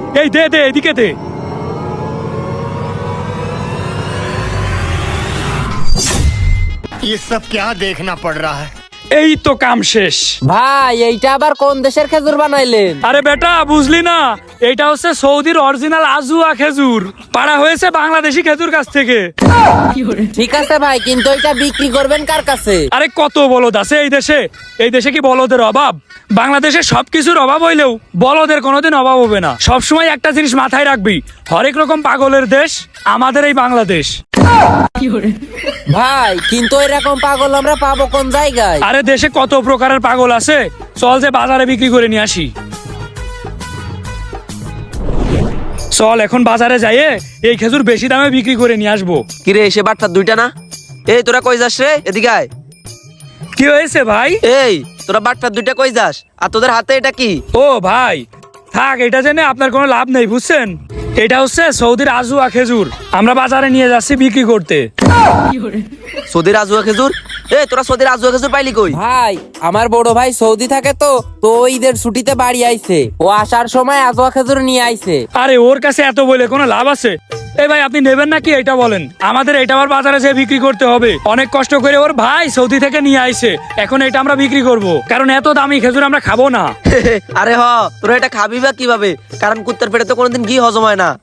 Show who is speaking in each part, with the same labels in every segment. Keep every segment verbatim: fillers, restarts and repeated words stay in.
Speaker 1: এই দে দে এদিকে দে।
Speaker 2: ये सब क्या देखना पड़ रहा है।
Speaker 1: এই তো কাম শেষ।
Speaker 3: ভাই এইটা আবার কোন দেশের খেজুর বানাইলেন?
Speaker 1: আরে বেটা বুঝলি না, এটা হচ্ছে সৌদির অরিজিনাল আজুয়া খেজুর, পাড়া হয়েছে বাংলাদেশি খেজুর গাছ থেকে।
Speaker 3: ঠিক আছে ভাই, কিন্তু এটা বিক্রি করবেন কার কাছে?
Speaker 1: আরে কত বলদ আছে এই দেশে, এই দেশে কি বলদের অভাব? বাংলাদেশে সবকিছুর অভাব হইলেও বলদের কোনোদিন অভাব হবে না। সবসময় একটা জিনিস মাথায় রাখবি, হরেক রকম পাগলের দেশ আমাদের এই বাংলাদেশ।
Speaker 3: ভাই কিন্তু এরকম পাগল আমরা পাবো কোন জায়গায়?
Speaker 1: আরে দেশে কত প্রকারের পাগল আছে, চল যে বাজারে বিক্রি করে নিয়ে আসি। চল এখন বাজারে যাইয়ে এই খেজুর বেশি দামে বিক্রি করে নিয়ে আসবো।
Speaker 4: কিরে এসে বাটটা দুইটা না? এই তোরা কই যাস রে? এদিকে আয়।
Speaker 1: কি হয়েছে ভাই?
Speaker 4: এই তোরা বাটটা দুইটা কই যাস? আর তোদের হাতে এটা কি?
Speaker 1: ও ভাই থাক, এটা জেনে আপনার কোনো লাভ নেই বুঝছেন। এটা হচ্ছে সৌদির আজুয়া খেজুর, আমরা বাজারে নিয়ে যাচ্ছি বিক্রি করতে।
Speaker 4: সৌদির আজুয়া খেজুর? এই তোরা সৌদির আজুয়া খেজুর পাইলি কই?
Speaker 3: ভাই আমার বড় ভাই সৌদি থাকে তো তো ঈদের ছুটিতে বাড়ি আইছে, ও আসার সময় আজোয়া খেজুর নিয়ে আইছে।
Speaker 1: আরে ওর কাছে এত বলে কোনো লাভ আছে? এই ভাই আপনি নেবেন নাকি এটা বলেন, আমাদের এটা আবার বাজারে যেয়ে বিক্রি করতে হবে। অনেক কষ্ট করে ওর ভাই সৌদি থেকে নিয়ে আইছে, এখন এটা আমরা বিক্রি করব, কারণ এত দামি খেজুর আমরা খাবো না।
Speaker 4: আরে হ, তোরা এটা খাবি বা কিভাবে? কারণ কুত্তার পেটে তো কোনোদিন ঘি হজম হয় না।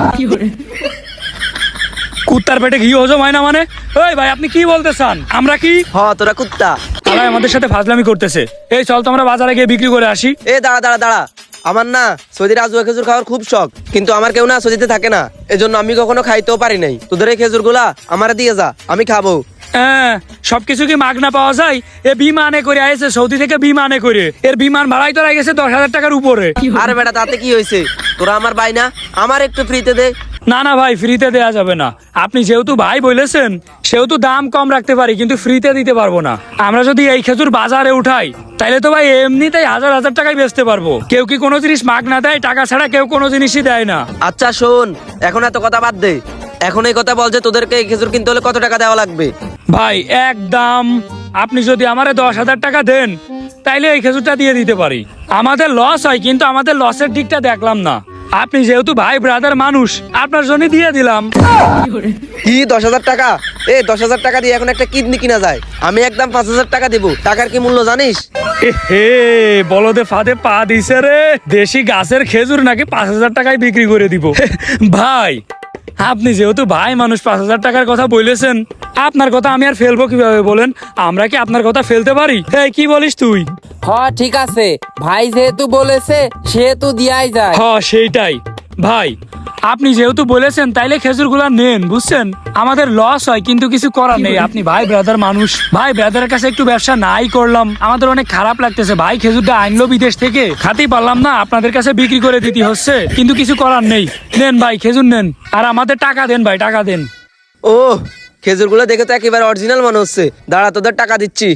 Speaker 1: কুত্তার পেটে ঘি হজম হয় না মানে? ওই ভাই আপনি কি বলতে চান? আমরা কি
Speaker 4: হ তোরা কুত্তা।
Speaker 1: তারা আমাদের সাথে ফাজলামি করতেছে। এই চল তো আমরা বাজারে গিয়ে বিক্রি করে আসি।
Speaker 4: এ দাঁড়া দাঁড়া দাঁড়া, আমার না সৌদির আজুয়া খেজুর খাওয়ার খুব শখ, কিন্তু আমার কেউ না সৌদিতে থাকে না, এজন্য আমি কখনো খাইতেও পারি নাই। তোদের এই খেজুর গুলা আমার দিয়ে যা, আমি খাবো।
Speaker 1: হ্যাঁ সবকিছু কি মাগনা পাওয়া যায়? এ বিমানে করে আইছে সৌদি থেকে, বিমানে করে, এর বিমান ভাড়াই তো গেছে দশ হাজার টাকার উপরে।
Speaker 4: আরে বেটা তাতে কি হয়েছে? তোরা আমার ভাই না, আমার একটু ফ্রিতে দে।
Speaker 1: না না ভাই ফ্রিতে দেয়া যাবে না, আপনি যেহেতু ভাই বলেছেন সেহেতু দাম কম রাখতে পারি, কিন্তু ফ্রিতে দিতে পারবো না। আমরা যদি এই খেজুর বাজারে উঠাই তাইলে তো ভাই এমনিতেই হাজার হাজার টাকায় বেচতে পারবো। কেউ কি কোনো জিনিস মাগনা দেয়? টাকা ছাড়া কেউ কোনো জিনিসই দেয় না।
Speaker 4: আচ্ছা শোন, এখন এত কথা বাদ দে, এখন এই কথা বল যে তোদেরকে এই খেজুর কিনতে হলে কত টাকা দেওয়া লাগবে?
Speaker 1: ভাই একদম আপনি যদি আমারে দশ হাজার টাকা দেন তাইলে এই খেজুরটা দিয়ে দিতে পারি। আমাদের লস হয়, কিন্তু আমাদের লসের দিকটা দেখলাম না। আপনি যেহেতু ভাই ব্রাদার মানুষ, আপনার জন্য দিয়ে দিলাম।
Speaker 4: কি দশ হাজার টাকা? এ দশ হাজার টাকা দিয়ে এখন একটা কিডনি কিনা যায়? আমি একদম পাঁচ হাজার টাকা দিব। টাকার কি মূল্য জানিস?
Speaker 1: এ হে বলদে ফাঁদে পা দিছে রে, দেশি গাছের খেজুর নাকি পাঁচ হাজার টাকায় বিক্রি করে দিব। ভাই আপনি যেহেতু ভাই মানুষ, পাঁচ হাজার টাকার কথা বলেছেন, আপনার কথা আমি আর ফেলবো কিভাবে বলেন? আমরা কি আপনার কথা ফেলতে পারি? এই কি বলিস তুই?
Speaker 3: হ ঠিক আছে, ভাই যেহেতু বলেছে সেহেতু দিয়াই যায়।
Speaker 1: হ সেইটাই ভাই, আপনি যেহেতু বলেছেন তাইলে খেজুর গুলা নেন বুঝছেন। আমাদের লস হয় কিন্তু কিছু করার নেই, আপনি ভাই ব্রাদার মানুষ, ভাই ব্রাদারের কাছে একটু ব্যবসা নাই করলাম, আমাদের অনেক খারাপ লাগতেছে। ভাই খেজুরটা আনলো বিদেশ থেকে, খাতেই পারলাম না, আপনাদের কাছে বিক্রি করে দিতে হচ্ছে, কিন্তু কিছু করার নেই। নেন ভাই খেজুর নেন, আর আমাদের টাকা দেন ভাই, টাকা দেন।
Speaker 4: ও খেজুর গুলো দেখে তো একেবারে অরিজিনাল মনে হচ্ছে। দাঁড়া তোদের টাকা দিচ্ছি।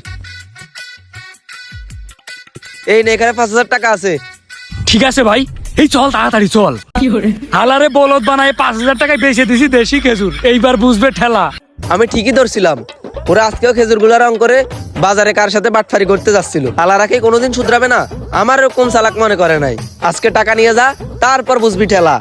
Speaker 4: এই নে, এখানে পাঁচ হাজার টাকা আছে।
Speaker 1: ঠিক আছে ভাই, এই চল তাড়াতাড়ি চল। হালারে বলদ বানায় পাঁচ হাজার টাকায় বেচে দিছি দেশি খেজুর, এইবার বুঝবে ঠেলা।
Speaker 4: আমি ঠিকই ধরছিলাম, ওরা আজকেও খেজুর গুলা রং করে বাজারে কার সাথে বাটফারি করতে যাচ্ছিল। আলারা কি কোনোদিন শুধরাবে না? আমার এরকম চালাক মনে করে নাই। আজকে টাকা নিয়ে যা, তারপর বুঝবি ঠেলা।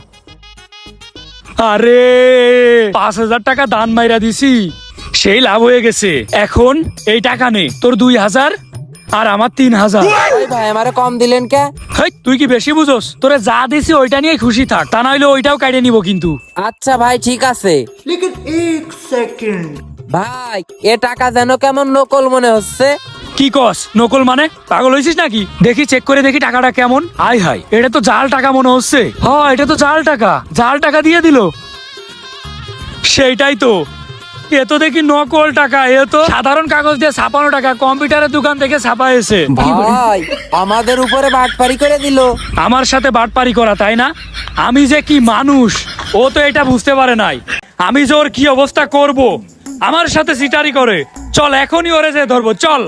Speaker 1: আরে পাঁচ হাজার টাকা দান মাইরা দিছি, সেই লাভ হয়ে গেছে। এখন এই টাকা নে, তোর দুই হাজার আর আমার তিন হাজার।
Speaker 3: ওই ভাই আমারে কম দিলেন কে?
Speaker 1: হেই, তুই কি বেশি বুঝোস? তোরে যা দিছি ওইটা নিয়ে খুশি থাক, তা নইলে ওইটাও কাটিয়ে নিব কিন্তু।
Speaker 3: আচ্ছা ভাই ঠিক আছে।
Speaker 2: लेकिन एक सेकंड
Speaker 3: ভাই এ টাকা যেন কেমন নকল মনে হচ্ছে।
Speaker 1: কি কস নকল মানে? পাগল হয়েছিস নাকি? দেখি চেক করে দেখি টাকাটা কেমন। আই হাই, এটা তো জাল টাকা মনে হচ্ছে। হ এটা তো জাল টাকা, জাল টাকা দিয়ে দিল। সেইটাই তো, এ তো দেখি নকল টাকা, এ তো সাধারণ কাগজ দিয়ে ছাপানো টাকা, কম্পিউটারের দোকান থেকে ছাপাইছে।
Speaker 3: ভাই আমাদের উপরে বাটপারি করে দিল।
Speaker 1: আমার সাথে বাটপারি করা, তাই না? আমি যে কি মানুষ, ও তো এটা বুঝতে পারে নাই। আমি যে ওর কি অবস্থা করব, আমার সাথে সিটারি করে। চল এখনই ওরে যে ধরবো, চল।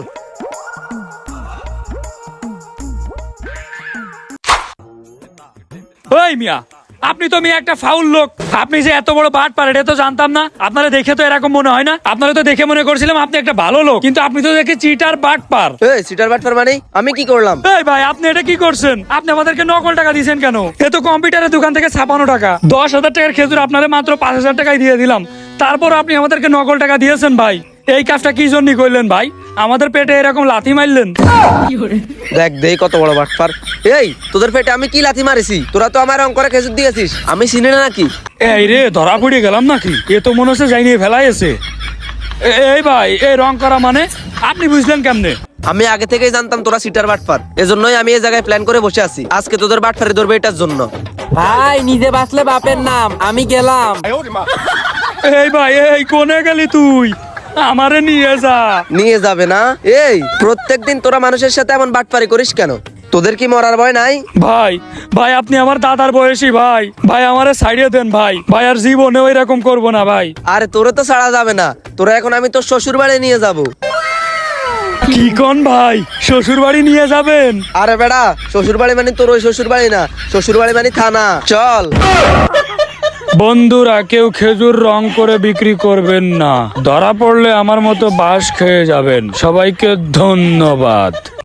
Speaker 1: ওই মিয়া, আপনি তো মেয়ে একটা ফাউল লোক। আপনি যে এত বড় বাট পার এটা তো জানতাম না। আপনারা দেখে তো এরকম মনে হয় না। আপনারা তো দেখে মনে করছিলাম আপনি একটা ভালো লোক, কিন্তু আপনি তো দেখে চিটার বাট পার।
Speaker 4: এই সিটার বাটফার মানে আমি কি করলাম?
Speaker 1: এই ভাই আপনি এটা কি করছেন? আপনি আমাদেরকে নকল টাকা দিয়েছেন কেন? এ তো কম্পিউটারের দোকান থেকে ছাপানো টাকা। দশ হাজার টাকার খেজুর আপনারা মাত্র পাঁচ হাজার টাকায় দিয়ে দিলাম, তারপর আপনি আমাদেরকে নকল টাকা দিয়েছেন ভাই। এই কাজটা কি জন্য করলেন ভাই? আমাদের পেটে এরকম লাথি মারলেন?
Speaker 4: দেখ দেই কত বড় বাটফার। এই তোদের পেটে আমি কি লাথি মারিছি? তোরা তো আমার অঙ্করে খেজুর দিয়েছিস, আমি চিনি না নাকি?
Speaker 1: এই রে ধরা পড়ে গেলাম নাকি? এ তো মনে হচ্ছে যাই নিয়ে ফেলাইছে। এই ভাই এই রং করা মানে আপনি বুঝলেন কেমনে?
Speaker 4: আমি আগে থেকেই জানতাম তোরা সিটার বাটফার, এজন্যই আমি এই জায়গায় প্ল্যান করে বসে আছি। আজকে তোদের বাটফারি ধরবে এটার জন্য।
Speaker 3: ভাই নিজে বাঁচলে বাপের নাম, আমি গেলাম।
Speaker 1: এই ভাই এই কোনে গেলি তুই? আমারে নিয়ে যা।
Speaker 4: নিয়ে যাবে না? এই প্রত্যেকদিন তোরা মানুষের সাথে এমন বাটপারি করিস কেন? তোদের কি মরার ভয় নাই?
Speaker 1: ভাই ভাই আপনি আমার দাদার বয়সী ভাই। ভাই আমারে ছাড়িয়ে দেন ভাই। ভাই আর জীবনেও এরকম করবো না ভাই।
Speaker 4: আরে তোরে তো ছাড়া যাবে না, তোরা এখন আমি তোর শ্বশুর বাড়ি নিয়ে যাব।
Speaker 1: কি কোন ভাই? শ্বশুর বাড়ি নিয়ে যাবেন?
Speaker 4: আরে বেড়া, শ্বশুর বাড়ি মানে তোর ওই শ্বশুর বাড়ি না, শ্বশুর বাড়ি মানে থানা। চল।
Speaker 1: বন্ধুরা কেউ খেজুর রং করে বিক্রি করবেন না, ধরা পড়লে আমার মতো বাঁশ খেয়ে যাবেন। সবাইকে ধন্যবাদ।